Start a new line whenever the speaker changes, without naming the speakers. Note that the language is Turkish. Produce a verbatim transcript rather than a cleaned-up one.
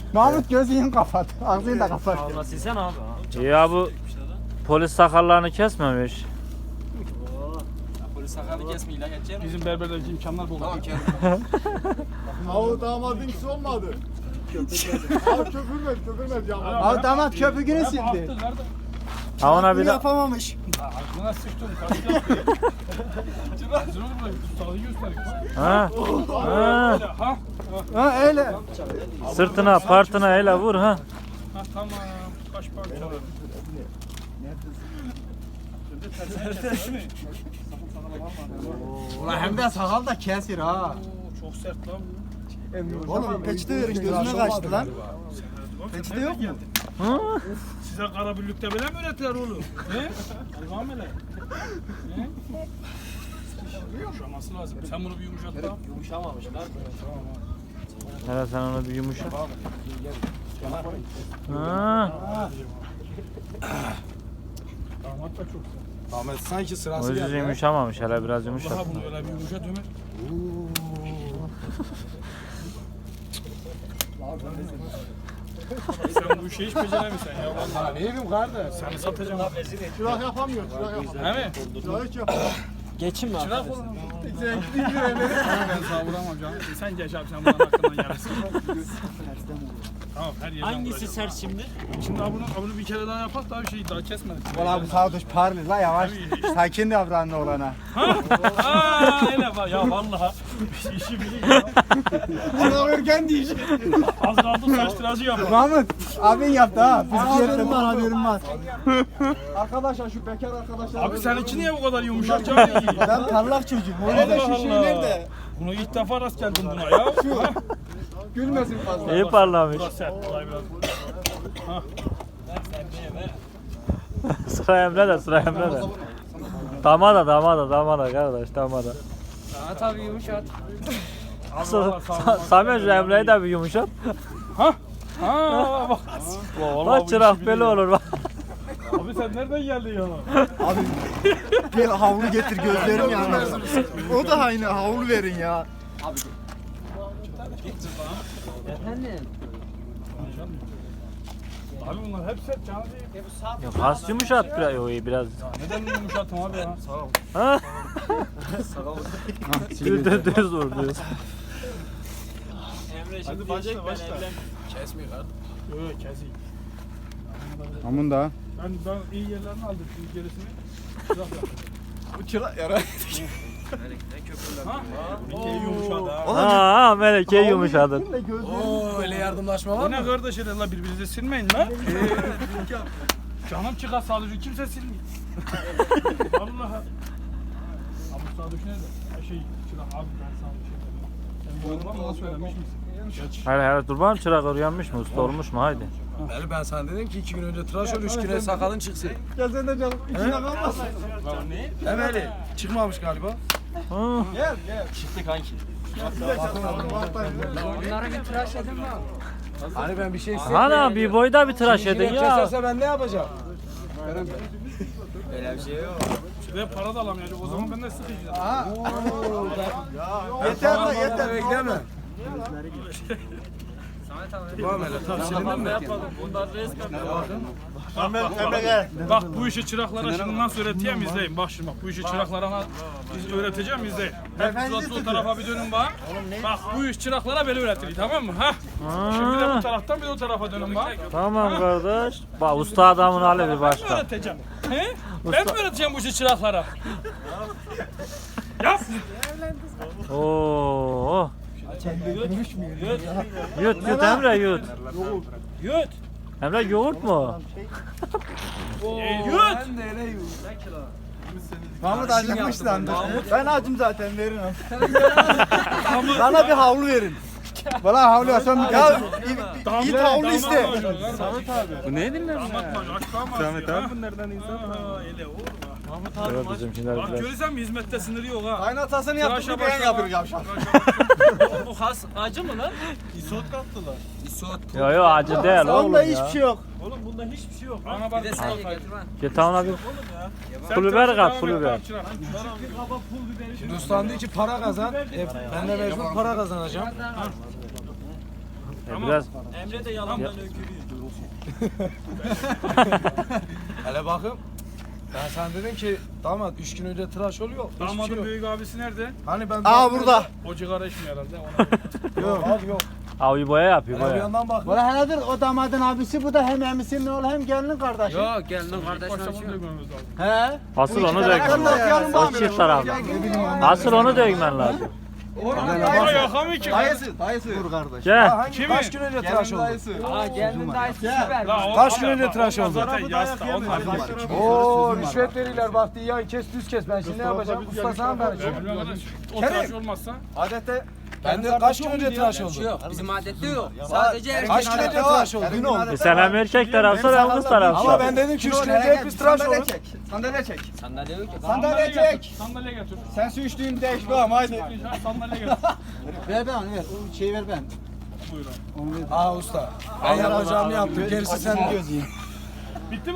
Mahmut gözünü kapat. Ağzını da kapat.
Allah silsen abi.
Ya bu polis sakallarını kesmemiş.
Polis sakalı kesmeyi ilaç edeceğim.
Bizim berberdeki imkanlar bol.
Tamam Avu damadın kişi olmadı. Abi köpürmez köpürmez ya.
Abi damat köpüğünü sildi.
Ha ona bir de
yapamamış.
Aklına sıçtım. Kaçtı yaptı. Hazır olur mu? Ustalığı gösterik.
ha. Ha.
Ha?
Ha öyle.
Sırtına, partına ele vur ha.
Ha tamam. Kaç parça var?
Ulan hem de sakal da kesir ha.
Oo, çok sert lan.
Oğlum peçete verin gözüne kaçtı lan. Peçete yok mu?
Hı?
Size kara birlikte böyle mi öğrettiler oğlum? He? Devam hele. He? Yumuşaması lazım. Sen bunu bir yumuşat da.
Yumuşamamışlar.
Hele sen onu bir yumuşa. Ha.
Damat da çok sert.
Ahmet sanki sırası
O yüzden
geldi.
yumuşamamış, hele biraz yumuşat.
Daha bunu öyle bir yumuşat Ömer. Sen bu işi hiç beceremiyorsun ya vallahi.
Ne yapayım kardeş?
Seni satacağım.
Çırak yapamıyor, çırak yapamıyor.
He mi?
Çırak hiç yapamıyor.
Geçin mi
Çırak
arkadaşlar?
olun. Ben sana vuramam canım. Sen geç abi sen bana hakkından yarısın. Tamam her yerden
Hangisi
vuracağım.
sert şimdi?
Şimdi abunu, abunu bir kere daha yapak daha bir şey daha kesmedik.
Valla bu sağ duş parlı la yavaş. Sakin davran oğlana.
Aa öyle bak ya vallahi işi biliyor ya.
Çırak örgen değil.
Az kaldı saç tıraşı yapalım.
Mahmut abin yaptı ha. Haberim var haberim var. Arkadaşlar şu bekar arkadaşlar.
Abi seninki niye bu kadar yumuşak canım?
Ben parlak çocuğum. Öyle de
Allah
şişiği
Allah.
nerede?
Bunu ilk defa rast geldim buna ya. Ha?
Gülmesin fazla.
İyi parlamış.
Burası sert. Kolay biraz. Ha.
Sıra Emre de, sıra Emre de. Damada, damada, damada kardeş, damada.
Ha tabii yumuşat.
Allah
Sa Samet şu Emre'yi de bir yumuşat.
Ha? Ha bak. Vallahi
Bak
bu
çırak
işi
belli
biliyor.
olur bak.
Abi sen nereden geldin ya?
Abi bir havlu getir gözlerim yanıyor. O da aynı havlu verin ya.
Efendim?
Abi bunlar hep sert canı değil.
Yok has yumuşat biraz. Yo, iyi biraz.
Neden yumuşatım abi ya? Sağ ol.
Ha? Düz düz düz vur düz.
Emre
Hadi
şimdi
başla,
diyecek ben
başla.
evlen.
Kesmiyor kardeş.
Yok yok keseyim.
Amun da.
Ben, ben iyi yerlerini aldım şimdi gerisini. Çırak yaptım.
Bu çırak yara.
Ha? Bir kere yumuşadı ha.
Ha, ha Meleke yumuşadın.
Oo öyle yardımlaşma var
Bu
mı?
ne kardeş öyle la birbirinize silmeyin la. Canım çıkar sadece kimse silmiyor. Vallahi. Abi sadece nerede? Ha, Şey çırak abi ben sana bir şey dedim. Sen bu adama söylemiş misin? Geç.
Hele hele dur bakalım çırak uyanmış mı? Usta olmuş mu? Haydi.
Beli ben sana dedim ki iki gün önce tıraş ol, üç güne sakalın çıksın.
Gel sen de canım. İçine kalmasın.
He Beli? Çıkmamış galiba.
Hı.
Çıktı kanki.
Onlara bir tıraş edin mi? Hani ben bir şey isteyeyim.
Ana bir boyda bir tıraş edin ya.
Keserse ben ne yapacağım?
Öyle bir şey yok.
Şuraya para da alamayacak o zaman ben de sıkıcıyım.
Yeter lan yeter.
Bekleme.
Samet abi.
Tamam hele tamam silindin mi?
Yapalım. Bundan res
Bak bu işi çıraklara şimdi nasıl öğreteceğim izleyin. Bak şimdi bak bu işi çıraklara biz öğreteceğim izleyin. Hep o tarafa bir dönün bak. Bak bu iş çıraklara böyle öğretilir tamam mı? Ha? Şimdi de bu taraftan bir de o tarafa dönün bak.
Tamam kardeş. Bak usta adamın hali bir
Ben mi
başka.
öğreteceğim? He? Ben mi öğreteceğim bu işi çıraklara? Yap.
Oo. Yut yut Emre yut.
Yut.
Emre yoğurt mu?
Yut.
Mahmut acıkmış lan. Ben acım zaten verin onu. Bana bir havlu verin. Bana havlu ya sen ya iyi havlu iste.
Samet abi.
Bu ne dinler?
Samet abi bunlardan insan. Öyle olur mu? Mahmut abi
Evet bizim şimdi
bak
biraz.
görürsen mi hizmette sınırı yok ha.
Kaynatasını yaptık
Tıraşa
bir beğen
başlama.
yapıyor yavşak.
Bu has acı mı lan?
İsot kattılar. İsot.
Yo yo acı değil oğlum
Onda
ya.
hiçbir şey yok.
Oğlum bunda hiçbir şey yok.
Bana bak.
Bir de sen ye getir lan.
Git ona bir
Sen
pul biber
tıraşa
kat
devam
pul
et,
biber.
tamam, çırak.
Hindistan diyor ki para kazan. E, ben de mecbur para kazanacağım.
E, biraz
Emre de yalandan öykürüyor.
Hele bakın. Ben sen dedim ki damat üç gün önce tıraş oluyor. Hiçbir şey
Damadın
yok.
büyük abisi nerede?
Hani ben
Aa burada.
O cigara içmiyor herhalde. Ona...
Yok abi yok.
abi boya yapıyor
Hele bir
boya.
yandan bak.
Valla heladır o damadın abisi bu da hem emisinin oğlu hem gelinin kardeşi.
Yok gelinin
İlk başta
kardeşine
bunu
açıyor.
dökmemiz lazım.
He.
Asıl
Bu
onu
iki taraftan da
dökmen
okuyalım
lazım. O
bari.
çift taraflı. Asıl onu dökmen lazım.
Bana yakamıyor ki.
Dayısı, dayısı. Vur kardeş.
Gel.
Hangi
Kimi?
kaç gün önce tıraş oldu?
Aa gelinin dayısı süper.
La, o-
Kaç gün
ama-
önce
ama
tıraş
onlar
oldu?
Zaten yasta. Onlar
Oo rüşvet verirler bak yan kes düz kes ben şimdi ne yapacağım? Usta sana ben.
Bilmiyorum arkadaş. O tıraş olmazsa.
Adette
Ben de kaç gün önce tıraş oldu?
Yok bizim adette yok. Sadece erkek.
Kaç gün önce tıraş oldu? Gün oldu.
E sen hem erkek tarafsın hem kız tarafsın.
Ama ben dedim ki üç gün önce hep biz tıraş
Sandalye
olun.
çek. Sandalye çek.
Sandalye yok ki.
Sandalye
getir.
çek.
Sandalye getir.
Sen su içtiğini değiş bakalım haydi.
Sandalye getir.
Ver ben onu ver. O şeyi ver ben.
Buyur abi.
Onu ver.
Aa usta. Ben yapacağımı yaptım. Gerisi sen.
Gözü.
Bitti mi?